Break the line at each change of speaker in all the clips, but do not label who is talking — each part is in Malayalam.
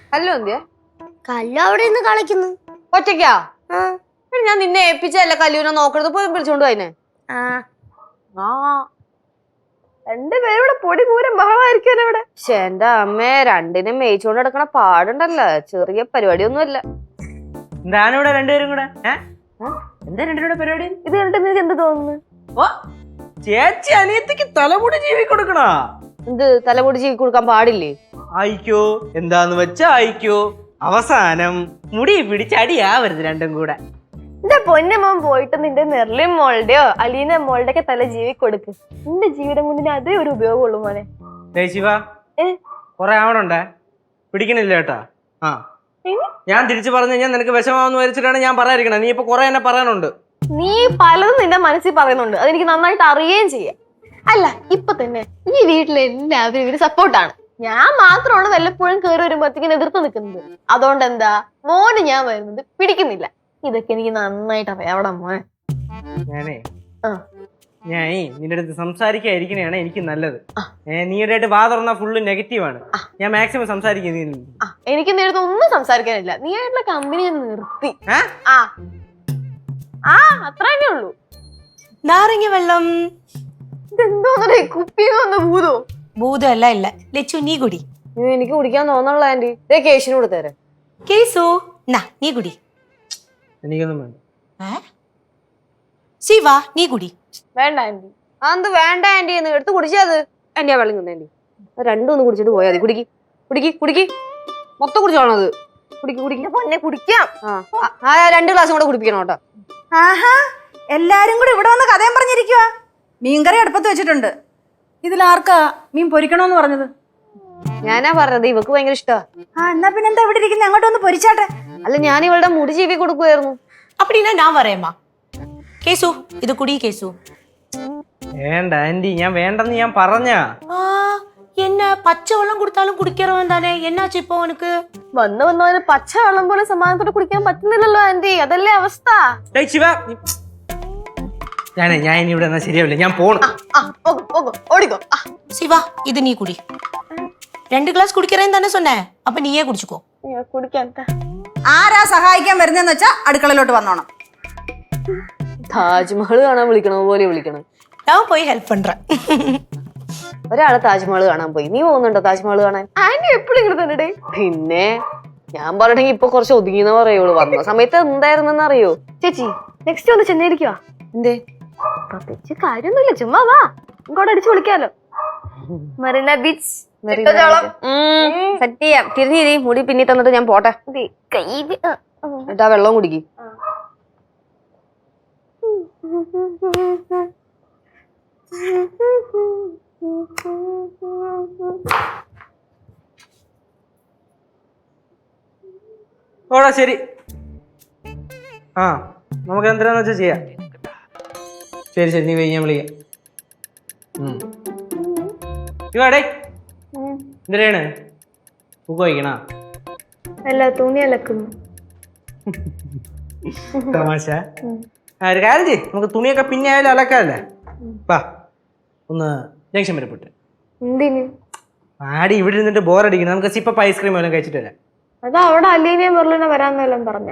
കല്ലു എന്തിയാ?
കല്ലു അവിടെ നിന്ന് കളിക്കുന്നു.
ഒറ്റയ്ക്കാ? ഞാൻ നിന്നെ ഏൽപ്പിച്ചല്ല കല്ലൂനെ നോക്കണത്, പോയി വിളിച്ചോണ്ട് പോയിനെ.
രണ്ടുപേരും ഇവിടെ പൊടി പൂരം ബഹളമായിരിക്കും ഇവിടെ.
പക്ഷെ എന്റെ അമ്മേ, രണ്ടിനും മേയിച്ചോണ്ട് നടക്കണ പാടുണ്ടല്ലോ, ചെറിയ പരിപാടിയൊന്നുമല്ല.
എന്താണ് ഇവിടെ രണ്ടുപേരും കൂടെ? എന്താ രണ്ടുപേരുടെ പരിപാടി?
ഇത് കണ്ടിട്ട് നിനക്ക് എന്ത് തോന്നുന്നു?
ഓ, ചേച്ചി അനിയത്തിക്ക് തലമുടി ജീവി കൊടുക്കണ.
എന്ത് തലമുടി ജീവി കൊടുക്കാൻ പാടില്ലേ?
ആയിക്കോ, എന്താന്ന് വെച്ചാ ആയിക്കോ. അവസാനം മുടി പിടിച്ചടിയാവരുത് രണ്ടും കൂടെ.
എന്റെ പൊന്നമ്മ പോയിട്ട് നിന്റെ നെർലിൻ മോളുടെയോ അലീന മോളുടെ ഒക്കെ തല ജീവി കൊടുക്ക്. നിന്റെ ജീവിതം കൊണ്ടിന് അതേ ഒരു ഉപയോഗമുള്ളൂ മോനെ.
ശിവ, കൊറേ ആവണുണ്ടേ, പിടിക്കണില്ല കേട്ടാ. ഞാൻ തിരിച്ചു പറഞ്ഞു കഴിഞ്ഞാൽ നിനക്ക് വിഷമാവെന്ന് വരച്ചിട്ടാണ് ഞാൻ പറയാതിരിക്കണേ. നീ ഇപ്പൊ കൊറേ എന്നെ പറയാനുണ്ട്.
നീ പലതും നിന്റെ മനസ്സിൽ പറയുന്നുണ്ട്, അതെനിക്ക് നന്നായിട്ട് അറിയുകയും ചെയ്യാം. അല്ല, ഇപ്പൊ തന്നെ ഈ വീട്ടിലെ എല്ലാവരും ഇവര് സപ്പോർട്ടാണ്. ഞാൻ മാത്രമാണ് വല്ലപ്പോഴും കയറി വരുമ്പോഴത്തേക്കും എതിർത്ത് നിൽക്കുന്നത്. അതുകൊണ്ട് എന്താ മോന് ഞാൻ വരുന്നത് പിടിക്കുന്നില്ല. ഇതൊക്കെ എനിക്ക് നന്നായിട്ട് അറിയാം. അവിടെ മോനെ
ഞാനേ നിന്റെ അടുത്ത് സംസാരിക്കാതിരിക്കണയാണ് എനിക്ക് നല്ലത്. നീടായിട്ട് വാ തുറന്നാ ഫുള്ള് നെഗറ്റീവാണ്. ഞാൻ മാക്സിമം സംസാരിക്കുന്നു.
എനിക്ക് നിന്റെ അടുത്ത് ഒന്നും സംസാരിക്കാനില്ല. നീ ആയിട്ടുള്ള കമ്പനി ഞാൻ നിർത്തി. അത്ര തന്നെ ഉള്ളൂ.
നാരങ്ങ വെള്ളം.
ഇതെന്തോന്നേ, കുപ്പിന്ന് ഭൂതോ?
ഭൂതമല്ല, ഇല്ല. ലച്ചു, നീ കുടി.
എനിക്ക് കുടിക്കാൻ തോന്നണല്ലോ ആന്റി. ഇതേ കേശിന് കൊടുത്തേരെ.
കേസു, നീ കുടി.
എനിക്കൊന്നും വേണ്ട.
ശിവ, നീ കുടി.
വേണ്ട ആന്റി.
അതെന്ത് വേണ്ട ആന്റി? എന്ന് എടുത്ത് കുടിച്ചത്. ആന്റി ആ വെള്ളം തന്നെ ആന്റി. രണ്ടും ഒന്ന് കുടിച്ചിട്ട് പോയാൽ മതി. കുടിക്ക് കുടിക്ക് കുടിക്ക്, മൊത്തം കുടിച്ചോണത്. കുടിക്ക് കുടിക്ക് പൊന്നെ, കുടിക്കാം. 2 ഗ്ലാസും കൂടെ കുടിപ്പിക്കണം കേട്ടോ.
ആഹാ, എല്ലാരും കൂടി ഇവിടെ വന്ന് കഥയും പറഞ്ഞിരിക്കുവാ. മീൻകറി അടുപ്പത്ത് വെച്ചിട്ടുണ്ട്. ഇതിലാർക്കാ മീൻ പൊരിക്കണോന്ന് പറഞ്ഞത്?
ഞാനാ പറഞ്ഞത്, ഇവക്ക് ഭയങ്കര ഇഷ്ടമാ.
എന്നാ പിന്നെ എന്താ ഇവിടെ ഇരിക്കുന്നത്? അങ്ങോട്ടൊന്ന് പൊരിച്ചാട്ടെ.
അല്ല, ഞാൻ ഇവളുടെ മുടി ചീവി കൊടുക്കുമായിരുന്നു.
அப்படின்னா நான் வரேம்மா. കേസു, ഇത് കുടി കേസു.
വേണ്ട ആന്റി, ഞാൻ വേണ്ടെന്ന് ഞാൻ പറഞ്ഞ.
என்ன പച്ച വെള്ളം കൊടുത്താലും കുടിക്കാറവൻ തന്നെ. എന്നാച്ചു ഇപ്പൊ അവനക്ക്?
വന്നവന് പച്ച വെള്ളം പോലെ സമാധാനത്തോടെ കുടിക്കാൻ പറ്റുന്നില്ലല്ലോ ആന്റി. അതല്ലേ അവസ്ഥ.
ഞാൻ ഇനി ഇവിടെ ശരിയാവില്ല, ഞാൻ പോണം.
ഓടിക്കോ.
ശിവ, ഇത് നീ കുടി. 2 ഗ്ലാസ് കുടിക്കറേന്ന് തന്നെ சொன்னே. അപ്പൊ നീയേ കുടിച്ചുക്കോ.
കുടിക്കാൻ
ആരാ സഹായിക്കാൻ വരുന്നതെന്ന് വെച്ചാ അടുക്കളയിലോട്ട് വന്നോണം.
താജ്മഹൽ കാണാൻ വിളിക്കണ പോലെ വിളിക്കണം.
ഞാൻ പോയി ഹെൽപ്പ് പண்றேன்.
ഒരാള് താജ്മഹൽ കാണാൻ പോയി. നീ പോകുന്നുണ്ടോ താജ്മഹൽ കാണാൻ?
ആന്റി എപ്പോഴും ഇങ്ങനെ തന്നെ.
പിന്നെ ഞാൻ പറഞ്ഞെങ്കിൽ ഇപ്പൊ കുറച്ച് ഒതുങ്ങിയെന്ന് പറയുള്ളൂ. വന്ന സമയത്ത് എന്തായിരുന്നെന്ന് അറിയോ?
ചേച്ചി, നെക്സ്റ്റ് ഒന്ന് ചെന്നൈയിരിക്കുവാ.
എന്തേ?
പ്രത്യേകിച്ച് കാര്യമൊന്നുമില്ല, ചുമ്മാ വാ, ഇങ്ങോട്ട് അടിച്ചു വിളിക്കാലോ. മറീന ബീച്ച്
സെറ്റ് ചെയ്യാം. തിരിഞ്ഞിരി, മുടി പിന്നി തന്നിട്ട് ഞാൻ പോട്ടെ. എന്നിട്ടാ വെള്ളം കുടിക്ക്.
ഓടാ, ശരി. നമുക്ക് എന്താന്ന് വെച്ചാ ചെയ്യാം. ശരി ശരി, നീ പോയി, ഞാൻ വിളിക്കാം. ഇവാടേ എന്തിനാണ് ബുക്ക് വായിക്കണ?
അല്ല, തുണി അലക്കുന്നു.
തമാശ. ഒരു കാര്യം ചെയ്യ്, നമുക്ക് തുണിയൊക്കെ പിന്നെ ആയാലും അലക്കാല്ലേ. വാ, ഒന്ന് ജംഗ്ഷൻ വരെ പോട്ടെ.
എന്തിന്?
ആടി ഇവിടെ ഇരുന്നിട്ട് ബോറടിക്കണം. നമുക്ക് സിപ്പപ്പ് ഐസ്ക്രീം എല്ലാം കഴിച്ചിട്ട് വരാം.
അതാ അവിടെ അലീനയും ബെർലിനെ വരാന്നെല്ലാം പറഞ്ഞ.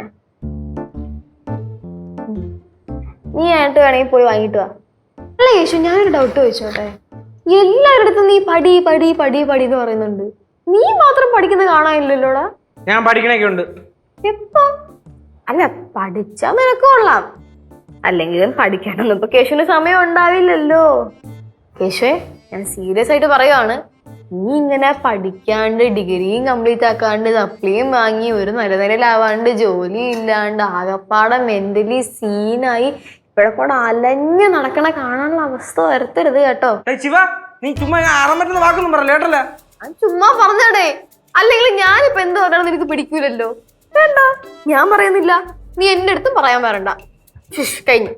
നീ ആയിട്ട് വേണമെങ്കിൽ പോയി വാങ്ങിട്ട് വാ. അല്ല യേശു, ഞാനൊരു ഡൗട്ട് ചോദിച്ചോട്ടെ. എല്ലാവരുടെ നീ പടി പടി പടി പടി എന്ന് പറയുന്നുണ്ട്, നീ മാത്രം പഠിക്കുന്നത് കാണാനില്ലല്ലോടാ.
ഞാൻ പഠിക്കണൊക്കെ ഉണ്ട്.
എപ്പോ? അല്ല, പഠിച്ചാ നിനക്ക് കൊള്ളാം. അല്ലെങ്കിലും പഠിക്കാനൊന്നും ഇപ്പൊ കേശുവിന് സമയം ഉണ്ടാവില്ലല്ലോ. കേശുവേ, ഞാൻ സീരിയസ് ആയിട്ട് പറയുവാണ്. നീ ഇങ്ങനെ പഠിക്കാണ്ട് ഡിഗ്രിയും കംപ്ലീറ്റ് ആക്കാണ്ട് സപ്ലിയും വാങ്ങി ഒരു നിലനിലാവാണ്ട് ജോലി ഇല്ലാണ്ട് ആകപ്പാടെ മെന്റലി സീനായി ഇവിടെ കൂടെ അലഞ്ഞ് നടക്കണ കാണാനുള്ള അവസ്ഥ വരുത്തരുത് കേട്ടോ.
നീ ചുമ്മാ ആറാൻ വാക്കൊന്നും പറയല്ലേ കേട്ടല്ലേ.
ചുമ്മാ പറഞ്ഞോടെ, അല്ലെങ്കിൽ ഞാനിപ്പോ എന്ത് പറഞ്ഞാലും നിനക്ക് പിടിക്കൂലല്ലോ. വേണ്ട, ഞാൻ പറയുന്നില്ല, നീ എന്റെ അടുത്തും പറയാൻ വരണ്ട. കഴിഞ്ഞു.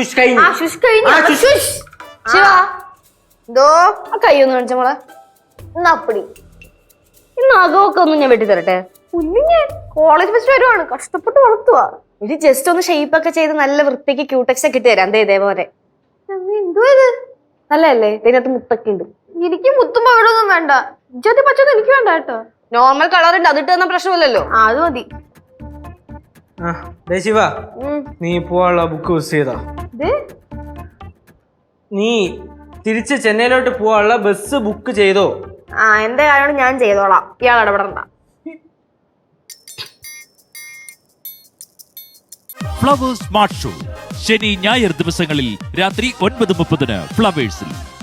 ശിവ, എന്തോ ആ കൈയൊന്ന് കാണിച്ച മോളെ.
അപ്പടി
ഇന്ന് അകമൊക്കെ ഒന്നും ഞാൻ വെട്ടി തരട്ടെ.
കുഞ്ഞിഞ്ഞ് കോളേജ് ഫസ്റ്റ് വരുവാണ്, കഷ്ടപ്പെട്ട് വളർത്തുവാ.
ഇത് ജസ്റ്റ് ഒന്ന് ഷേപ്പ് ഒക്കെ ചെയ്ത് നല്ല വൃത്തിക്ക് ക്യൂടെക്സ് ഒക്കെ ഇട്ട് തരാം. എന്തേ ഇതേപോലെ
എന്തോ ഇത്
നല്ലതല്ലേ? ഇതിനകത്ത് മുത്തൊക്കെ ഉണ്ട്.
എനിക്ക് മുത്തുമ്പോ ഇവിടെ ഒന്നും വേണ്ട. ഇജ്ജാതി പച്ചൊന്നും എനിക്ക് വേണ്ട കേട്ടോ.
നോർമൽ കളർ ഉണ്ട്, അതിട്ട് തന്ന പ്രശ്നമില്ലല്ലോ.
ആ അത് മതി.
ആ ദേ ശിവ,
ഉം.
നീ പോവാനുള്ള ബുക്ക് മിസ് ചെയ്താ.
ഇത്
നീ തിരിച്ച് ചെന്നൈയിലോട്ട് പോവാനുള്ള ബസ് ബുക്ക് ചെയ്തോ?
ആ എന്റെ കാര്യമാണ് ഞാൻ ചെയ്തോളാം, ഇയാൾ ഇടപെടണ്ട.
ഫ്ലവേഴ്സ് സ്മാർട്ട് ഷോ ശനി ഞായർ ദിവസങ്ങളിൽ രാത്രി 9:30 ഫ്ലവേഴ്സിൽ.